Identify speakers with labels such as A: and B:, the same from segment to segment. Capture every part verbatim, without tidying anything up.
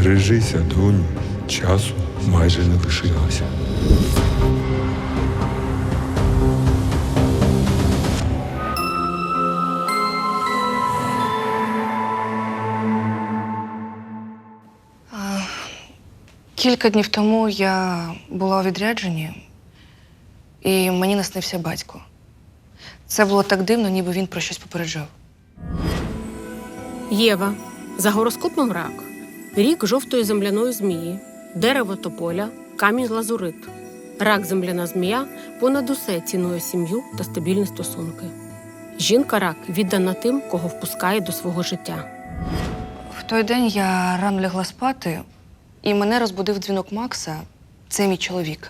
A: Бережися, доню, часу майже не лишилося.
B: Кілька днів тому я була у відрядженні, і мені наснився батько. Це було так дивно, ніби він про щось попереджав.
C: Єва. За гороскопом рак. Рік жовтої земляної змії, дерево тополя, камінь лазурит. Рак земляна змія понад усе цінує сім'ю та стабільні стосунки. Жінка рак віддана тим, кого впускає до свого життя.
B: В той день я рано лягла спати, і мене розбудив дзвінок Макса. Це мій чоловік.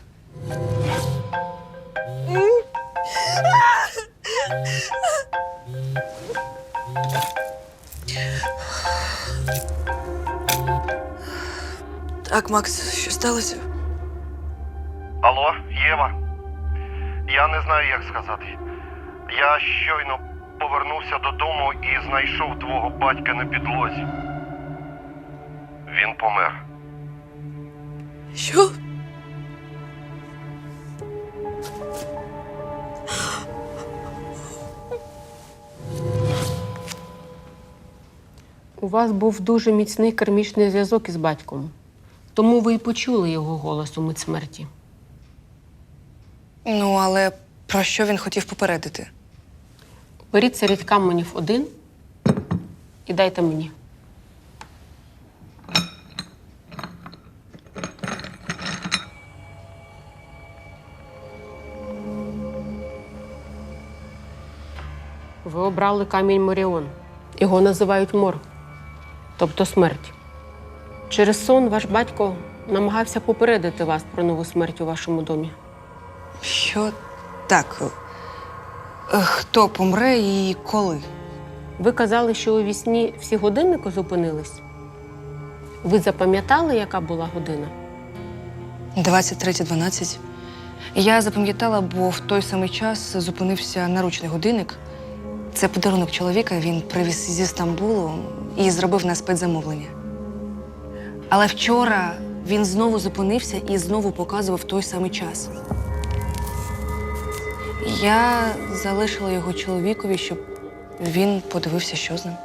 B: Так, Макс, що сталося?
D: Алло, Єва. Я не знаю, як сказати. Я щойно повернувся додому і знайшов твого батька на підлозі. Він помер.
B: Що?
C: У вас був дуже міцний кармічний зв'язок із батьком. Тому ви й почули його голос у мить смерті.
B: Ну, але про що він хотів попередити?
C: Беріть серед каменів один і дайте мені. Ви обрали камінь Моріон. Його називають мор, тобто смерть. Через сон ваш батько намагався попередити вас про нову смерть у вашому домі.
B: Що? Так. Е, Хто помре і коли?
C: Ви казали, що у вісні всі годинники зупинились. Ви запам'ятали, яка була година?
B: двадцять третя дванадцять. Я запам'ятала, бо в той самий час зупинився наручний годинник. Це подарунок чоловіка, він привіз зі Стамбулу і зробив на спецзамовлення. Але вчора він знову зупинився і знову показував той самий час. Я залишила його чоловікові, щоб він подивився, що з ним.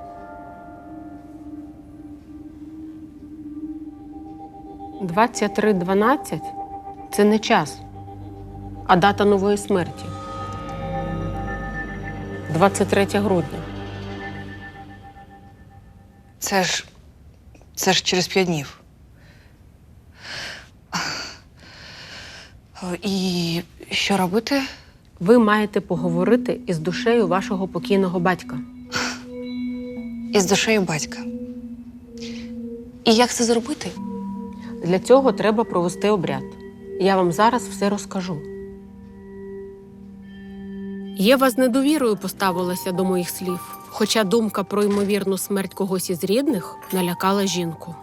C: двадцять три дванадцять – це не час, а дата нової смерті. двадцять третє грудня.
B: Це ж... це ж через п'ять днів. І що робити?
C: Ви маєте поговорити із душею вашого покійного батька.
B: Із душею батька. І як це зробити?
C: Для цього треба провести обряд. Я вам зараз все розкажу. Єва з недовірою поставилася до моїх слів, хоча думка про ймовірну смерть когось із рідних налякала жінку.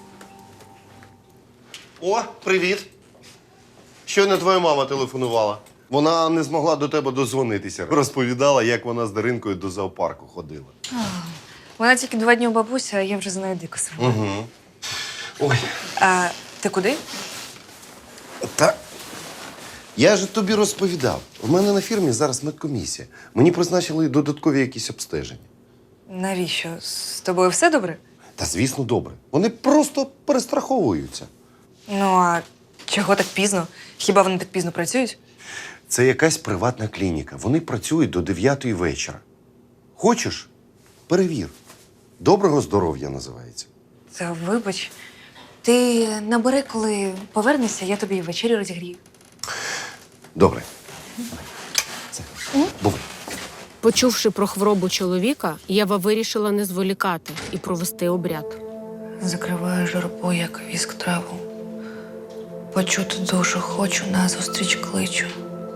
D: О, привіт. Щойно твоя мама телефонувала. Вона не змогла до тебе дозвонитися. Розповідала, як вона з Даринкою до зоопарку ходила.
B: Вона тільки два дні у бабуся, а я вже знаю дико сама.
D: Угу. Ой.
B: А ти куди?
D: Та я ж тобі розповідав. У мене на фірмі зараз медкомісія. Мені призначили додаткові якісь обстеження.
B: Навіщо? З тобою все добре?
D: Та, звісно, добре. Вони просто перестраховуються.
B: Ну, а чого так пізно? Хіба вони так пізно працюють?
D: Це якась приватна клініка. Вони працюють до дев'ятої вечора. Хочеш? Перевір. Доброго здоров'я називається.
B: Та вибач. Ти набери, коли повернешся, я тобі вечерю розігрію.
D: Добре. Це. Бувай.
C: Почувши про хворобу чоловіка, Єва вирішила не зволікати і провести обряд.
B: Закриваю журбу, як віск траву. Почути душу хочу, назустріч кличу.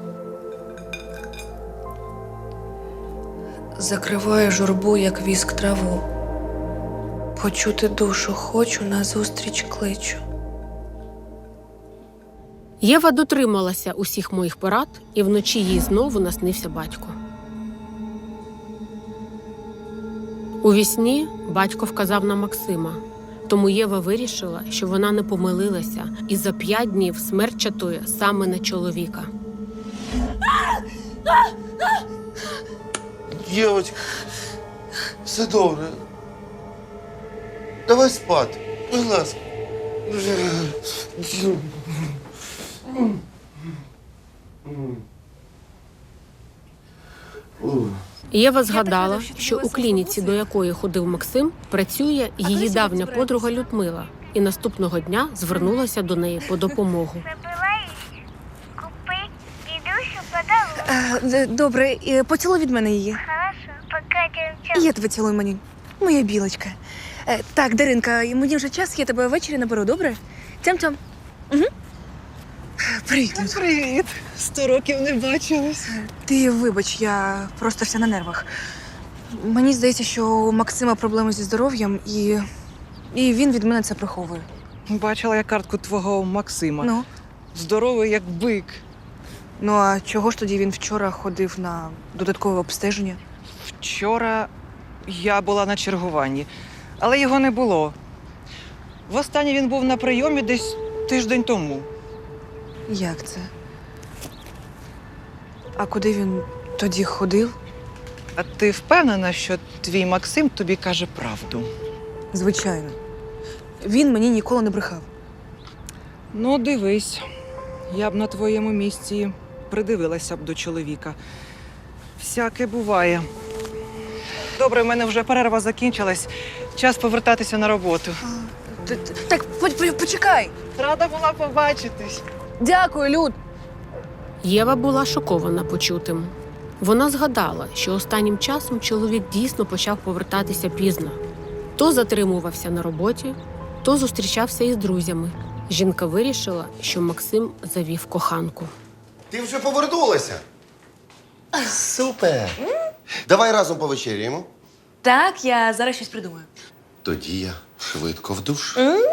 B: Закриваю журбу, як віск траву. Почути душу хочу, назустріч кличу.
C: Єва дотрималася усіх моїх порад, і вночі їй знову наснився батько. У вісні батько вказав на Максима. Тому Єва вирішила, що вона не помилилася, і за п'ять днів смерть чатує саме на чоловіка.
E: Дівчинка, все добре. Давай спати, будь ласка.
C: Єва згадала, що у клініці, до якої ходив Максим, працює її давня подруга Людмила, і наступного дня звернулася до неї по допомогу.
F: Забывай купи дідусю подарунок.
B: Е, Добре, е, поцілуй від мене її.
F: Хорошо, пока дівчата.
B: Я тебе цілую, мені. Моя білочка. Е, Так, Даринка, і мені вже час, я тебе ввечері наберу, добре? Тям-тям. Угу. Привіт, Люд.
G: Привіт! Сто років не бачились.
B: Ти вибач, я просто вся на нервах. Мені здається, що у Максима проблеми зі здоров'ям, і, і він від мене це приховує.
G: Бачила я картку твого Максима.
B: Ну,
G: Здоровий, як бик.
B: ну а чого ж тоді він вчора ходив на додаткове обстеження?
G: Вчора я була на чергуванні, але його не було. Востаннє він був на прийомі десь тиждень тому.
B: Як це? А куди він тоді ходив?
G: А ти впевнена, що твій Максим тобі каже правду?
B: Звичайно. Він мені ніколи не брехав.
G: Ну, дивись, я б на твоєму місці придивилася б до чоловіка. Всяке буває. Добре, в мене вже перерва закінчилась. Час повертатися на роботу.
B: Т- т- Так, по- по- почекай!
G: Рада була побачитись.
B: Дякую, Люд!
C: Єва була шокована почутим. Вона згадала, що останнім часом чоловік дійсно почав повертатися пізно. То затримувався на роботі, то зустрічався із друзями. Жінка вирішила, що Максим завів коханку.
E: Ти вже повернулася? Супер! Давай разом повечеряємо.
B: Так, я зараз щось придумаю.
E: Тоді я швидко в душ.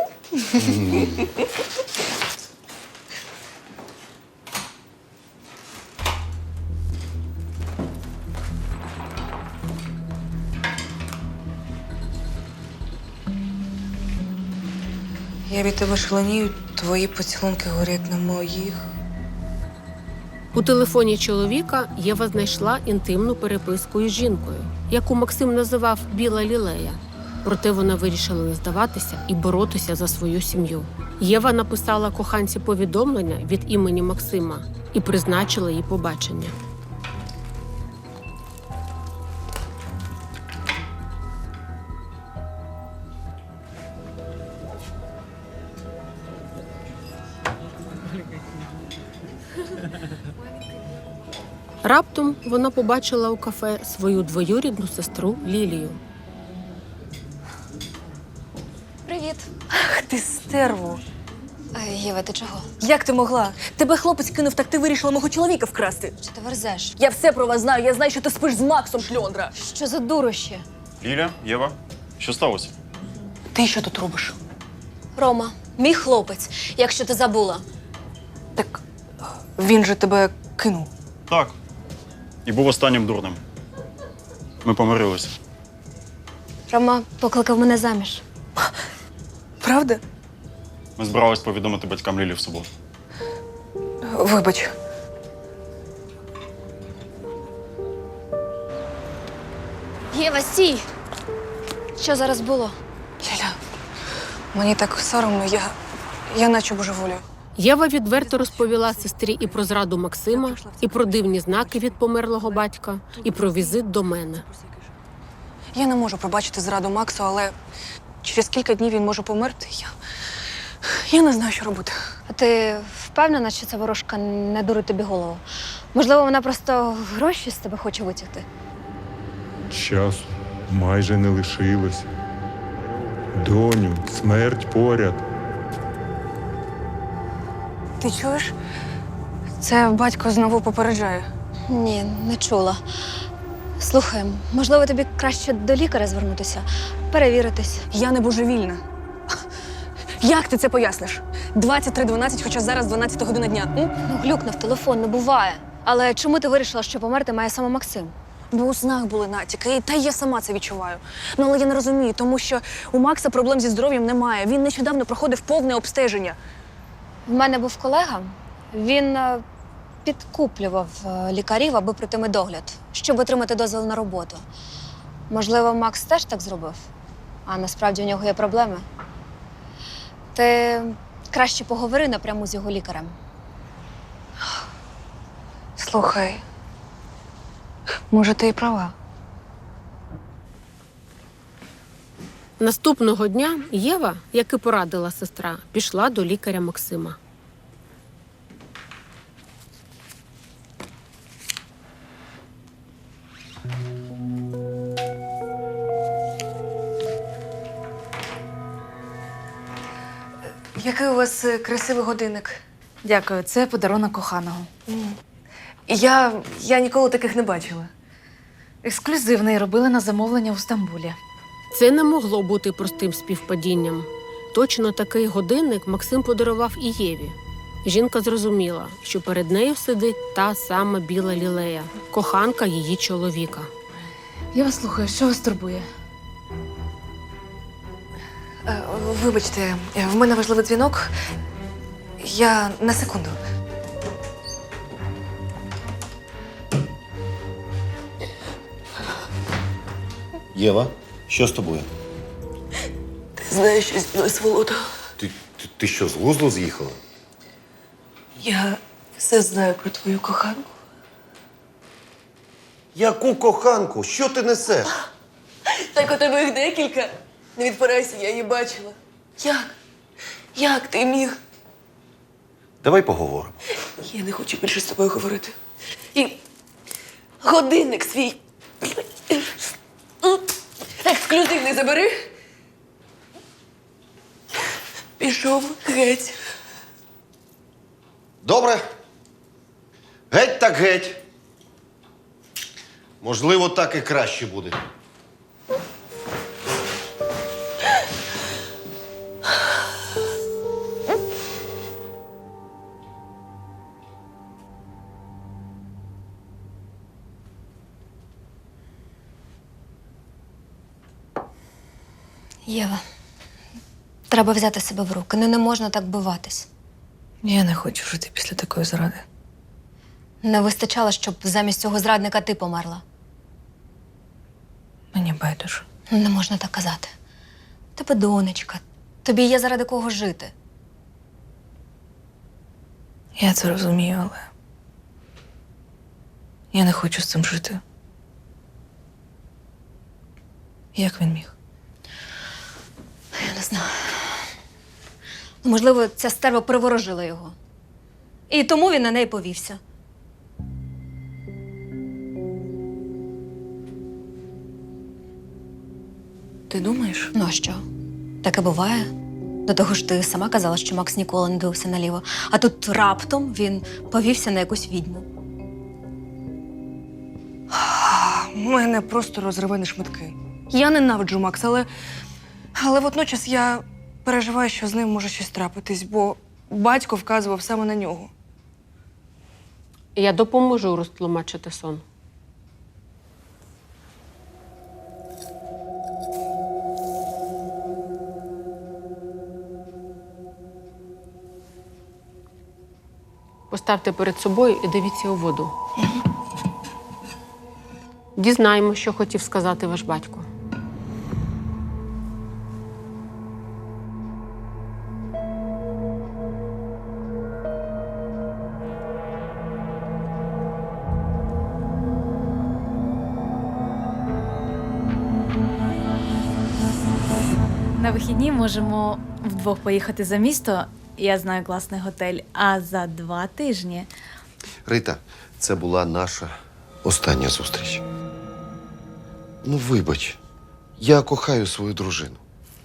B: Я від тебе шаленію, твої поцілунки горять на моїх.
C: У телефоні чоловіка Єва знайшла інтимну переписку із жінкою, яку Максим називав «Біла лілея». Проте вона вирішила не здаватися і боротися за свою сім'ю. Єва написала коханці повідомлення від імені Максима і призначила їй побачення. Раптом вона побачила у кафе свою двоюрідну сестру Лілію.
H: Привіт.
B: Ах, ти стерво!
H: Е, Єва, ти чого?
B: Як ти могла? Тебе хлопець кинув, так ти вирішила мого чоловіка вкрасти.
H: Що ти верзеш?
B: Я все про вас знаю, я знаю, що ти спиш з Максом, шльондра.
H: Що за дурощі?
I: Ліля, Єва, що сталося?
B: Ти що тут робиш?
H: Рома, мій хлопець, якщо ти забула.
B: Так він же тебе кинув.
I: Так. І був останнім дурним. Ми помирилися.
H: Рома покликав мене заміж.
B: Правда?
I: Ми збирались повідомити батькам Лілі в суботу.
B: Вибач.
H: Єва, стій! Що зараз було?
B: Ліля, мені так соромно, я, я наче божеволію.
C: Єва відверто розповіла сестрі і про зраду Максима, і про дивні знаки від померлого батька, і про візит до мене.
B: Я не можу пробачити зраду Максу, але через кілька днів він може померти. Я, я не знаю, що робити.
H: А ти впевнена, що ця ворожка не дурить тобі голову? Можливо, вона просто гроші з тебе хоче витягти?
A: Часу майже не лишилося. Доню, смерть поряд.
B: Ти чуєш? Це батько знову попереджає.
H: Ні, не чула. Слухай, можливо, тобі краще до лікаря звернутися, перевіритись.
B: Я не божевільна. Як ти це поясниш? двадцять три дванадцять, хоча зараз дванадцята година дня. М?
H: Ну, глюкнув телефон, не буває. Але чому ти вирішила, що померти має саме Максим?
B: Бо у снах були натяки, і та й я сама це відчуваю. Ну, але я не розумію, тому що у Макса проблем зі здоров'ям немає. Він нещодавно проходив повне обстеження.
H: В мене був колега. Він е, підкуплював е, лікарів, аби прийти медогляд, щоб отримати дозвіл на роботу. Можливо, Макс теж так зробив, а насправді у нього є проблеми. Ти краще поговори напряму з його лікарем.
B: Слухай, може, ти і права.
C: Наступного дня Єва, як і порадила сестра, пішла до лікаря Максима.
B: Який у вас е, красивий годинник?
J: Дякую, це подарунок коханого.
B: Я, я ніколи таких не бачила.
J: Ексклюзивний робили на замовлення у Стамбулі.
C: Це не могло бути простим співпадінням. Точно такий годинник Максим подарував і Єві. Жінка зрозуміла, що перед нею сидить та сама біла лілея, коханка її чоловіка.
J: Я вас слухаю, що вас турбує?
B: Е, Вибачте, е, в мене важливий дзвінок. Я на секунду.
E: Єва, що з тобою?
B: Ти знаєш, що зі мною з Володо?
E: Ти, ти, ти що, з глузду з'їхала?
B: Я все знаю про твою коханку.
E: Яку коханку? Що ти несеш?
B: Так у тебе їх декілька. Не відпирайся, я її бачила. Як? Як ти міг?
E: Давай поговоримо.
B: Я не хочу більше з тобою говорити. І годинник свій ексклюзивний забери. Пішов геть.
E: Добре. Геть так геть. Можливо, так і краще буде.
H: Єва, треба взяти себе в руки. Ну, не можна так биватись.
J: Я не хочу жити після такої зради.
H: Не вистачало, щоб замість цього зрадника ти померла.
J: Мені байдуже.
H: Ну, не можна так казати. Тебе донечка. Тобі є заради кого жити.
J: Я це розумію, але я не хочу з цим жити. Як він міг?
H: Я не знаю. Ну, можливо, ця стерва приворожила його. І тому він на неї повівся.
B: Ти думаєш?
H: Ну а що? Таке буває. До того ж, ти сама казала, що Макс ніколи не дивився наліво. А тут раптом він повівся на якусь відьму.
B: Мене просто розриве на шматки. Я ненавиджу Макса, але, але водночас я переживаю, що з ним може щось трапитись, бо батько вказував саме на нього.
C: Я допоможу розтлумачити сон. Поставте перед собою і дивіться у воду. Дізнаємо, що хотів сказати ваш батько.
J: На вихідні можемо вдвох поїхати за місто. Я знаю класний готель. А за два тижні
E: Рита, це була наша остання зустріч. Ну, вибач, я кохаю свою дружину.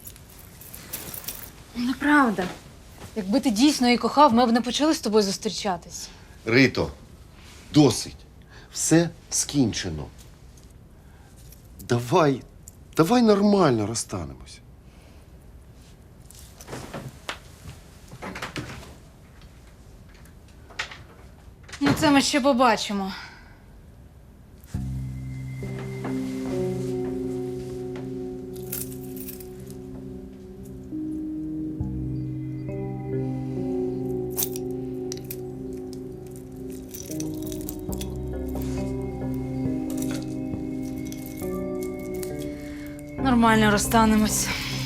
J: неправда. Якби ти дійсно її кохав, ми б не почали з тобою зустрічатись.
E: Рито, досить. Все скінчено. Давай, давай нормально розстанемось.
J: Ну, це ми ще побачимо. Нормально розстанемось.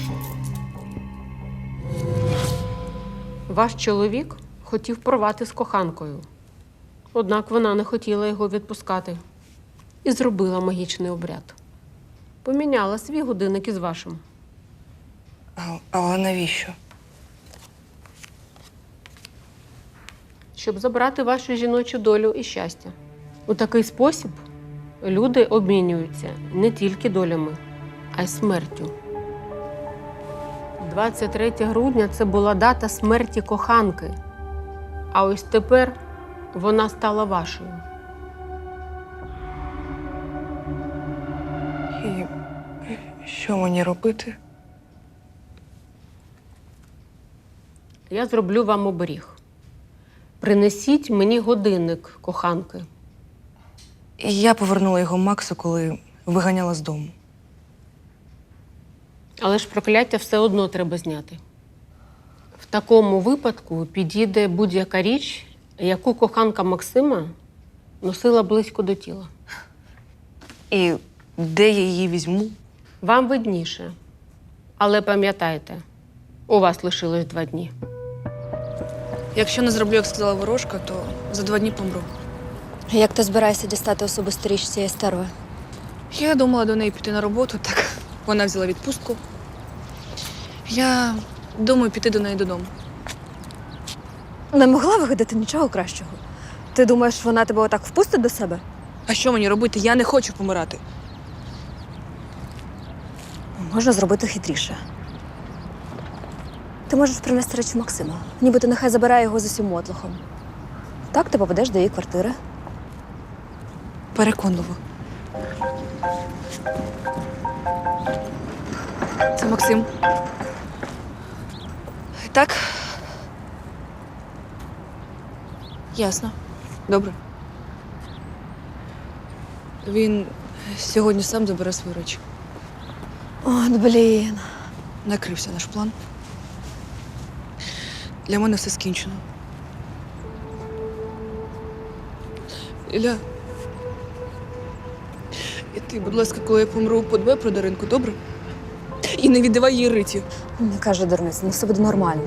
C: Ваш чоловік хотів порвати з коханкою. Однак вона не хотіла його відпускати і зробила магічний обряд. Поміняла свій годинник із вашим.
B: А, але навіщо?
C: Щоб забрати вашу жіночу долю і щастя. У такий спосіб люди обмінюються не тільки долями, а й смертю. двадцять третє грудня – це була дата смерті коханки. А ось тепер вона стала вашою.
B: І що мені робити?
C: Я зроблю вам оберіг. Принесіть мені годинник коханки.
B: І я повернула його Максу, коли виганяла з дому.
C: Але ж прокляття все одно треба зняти. В такому випадку підійде будь-яка річ, яку коханка Максима носила близько до тіла.
B: І де я її візьму?
C: Вам видніше. Але пам'ятайте, у вас лишилось два дні.
B: Якщо не зроблю, як сказала ворожка, то за два дні помру.
H: Як ти збираєшся дістати особисту річ цієї стерви?
B: Я думала до неї піти на роботу, так вона взяла відпустку. Я думаю піти до неї додому.
H: Не могла вигадати нічого кращого. Ти думаєш, вона тебе отак впустить до себе?
B: А що мені робити? Я не хочу помирати.
H: Можна зробити хитріше. Ти можеш принести речі Максима, нібито нехай забирає його з усім мотлохом. Так ти попадеш до її квартири.
B: Переконливо. Це Максим. Так? Ясно. Добре. Він сьогодні сам забере свої речі.
H: От, блін.
B: Накрився наш план. Для мене все скінчено. Ілля. І ти, будь ласка, коли я помру, подбай про Даринку, добре? І не віддавай їй Риті.
H: Не каже дурниць, ну все буде нормально.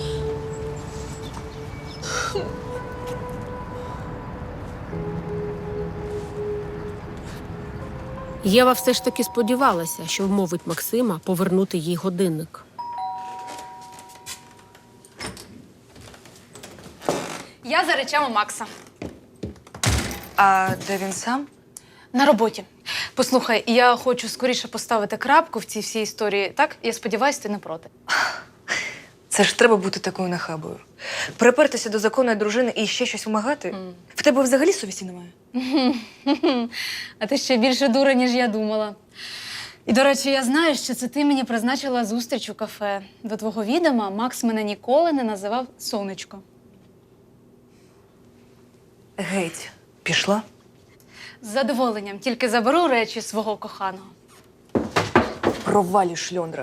C: Єва все ж таки сподівалася, що вмовить Максима повернути їй годинник.
J: Я за речами Макса.
B: А де він сам?
J: На роботі. Послухай, я хочу скоріше поставити крапку в цій всій історії. Так? Я сподіваюся, ти не проти.
B: Це ж треба бути такою нахабою. Припертися до законної дружини і ще щось вимагати?
J: Mm.
B: В тебе взагалі совісті немає?
J: А ти ще більше дура, ніж я думала. І, до речі, я знаю, що це ти мені призначила зустріч у кафе. До твого відома Макс мене ніколи не називав сонечко.
B: Геть, пішла?
J: З задоволенням, тільки заберу речі свого коханого.
B: Провалі, шльондра.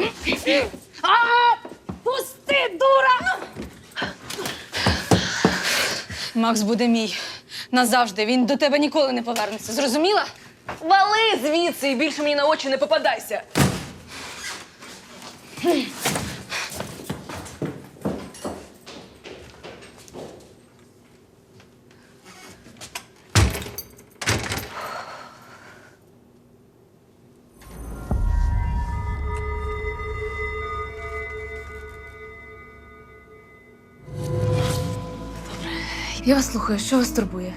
J: Пусти, дура! Макс буде мій. Назавжди. Він до тебе ніколи не повернеться. Зрозуміла?
B: Вали звідси і більше мені на очі не попадайся.
J: Я вас слухаю. Що вас турбує?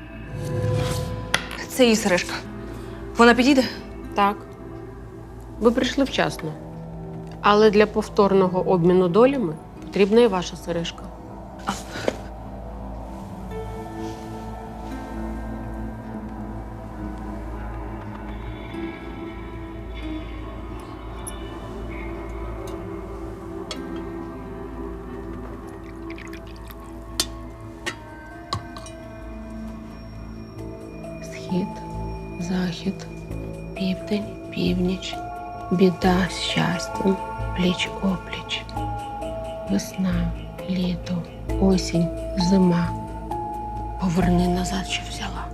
B: Це її сережка. Вона підійде?
C: Так. Ви прийшли вчасно. Але для повторного обміну долями потрібна і ваша сережка. Схід, захід, південь, північ, біда з щастям, пліч-опліч, весна, літо, осінь, зима. Поверни назад, що взяла.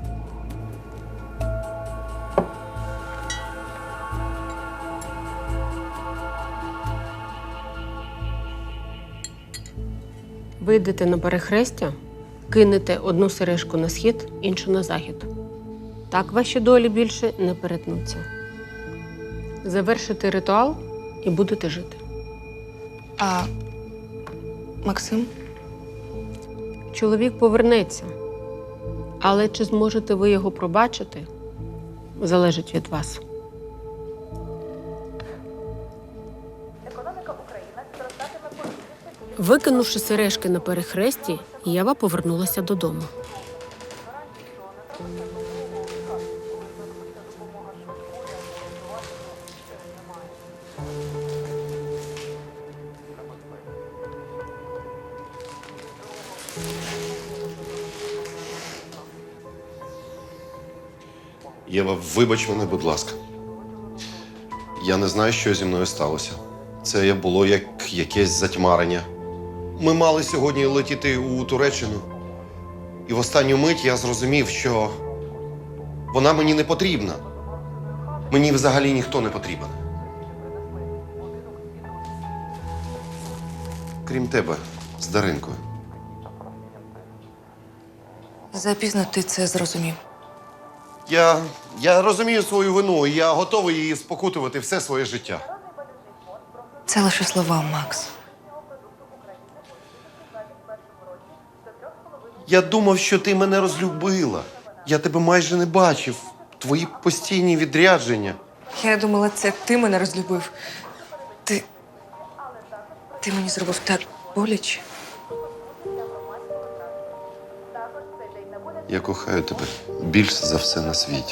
C: Вийдете на перехрестя, кинете одну сережку на схід, іншу на захід. Так ваші долі більше не перетнуться. Завершите ритуал і будете жити.
B: А Максим?
C: Чоловік повернеться, але чи зможете ви його пробачити, залежить від вас. Викинувши сережки на перехресті, Єва повернулася додому.
E: Єва, вибач мене, будь ласка. Я не знаю, що зі мною сталося. Це було як якесь затьмарення. Ми мали сьогодні летіти у Туреччину. І в останню мить я зрозумів, що вона мені не потрібна. Мені взагалі ніхто не потрібен. Крім тебе, з Даринкою.
B: Запізно ти це зрозумів.
E: Я, я розумію свою вину, і я готовий її спокутувати все своє життя.
B: Це лише слова, Макс.
E: Я думав, що ти мене розлюбила. Я тебе майже не бачив. Твої постійні відрядження.
B: Я думала, це ти мене розлюбив. Ти. Ти мені зробив так боляче.
E: Я кохаю тебе більше за все на світі.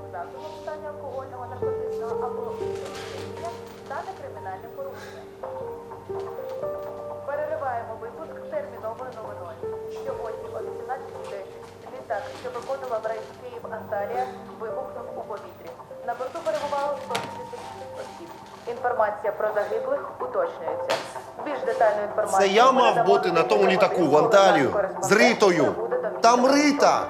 K: Перериваємо випуск терміновою новиною. Сьогодні о вісімнадцятій десять літак, що виконував рейс Київ-Анталія, вибухнув у повітрі. На борту перебувало сто тридцять шість осіб. Інформація про загиблих уточнюється. Більш детальну інформацію...
E: Це я мав бути на тому літаку в Анталію з Ритою. Там Рита!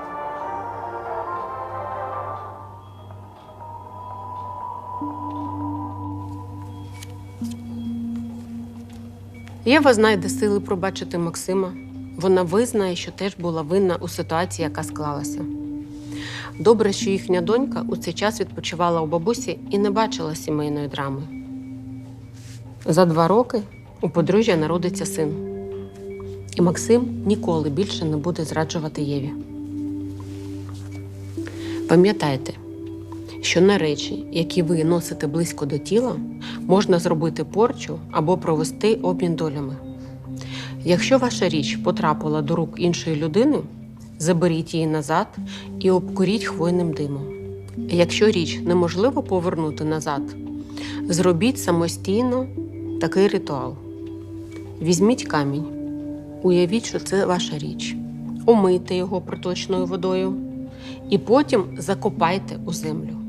C: Єва знайде сили пробачити Максима. Вона визнає, що теж була винна у ситуації, яка склалася. Добре, що їхня донька у цей час відпочивала у бабусі і не бачила сімейної драми. За два роки у подружжя народиться син. І Максим ніколи більше не буде зраджувати Єві. Пам'ятайте, що на речі, які ви носите близько до тіла, можна зробити порчу або провести обмін долями. Якщо ваша річ потрапила до рук іншої людини, заберіть її назад і обкуріть хвойним димом. Якщо річ неможливо повернути назад, зробіть самостійно такий ритуал. Візьміть камінь, уявіть, що це ваша річ, омийте його проточною водою і потім закопайте у землю.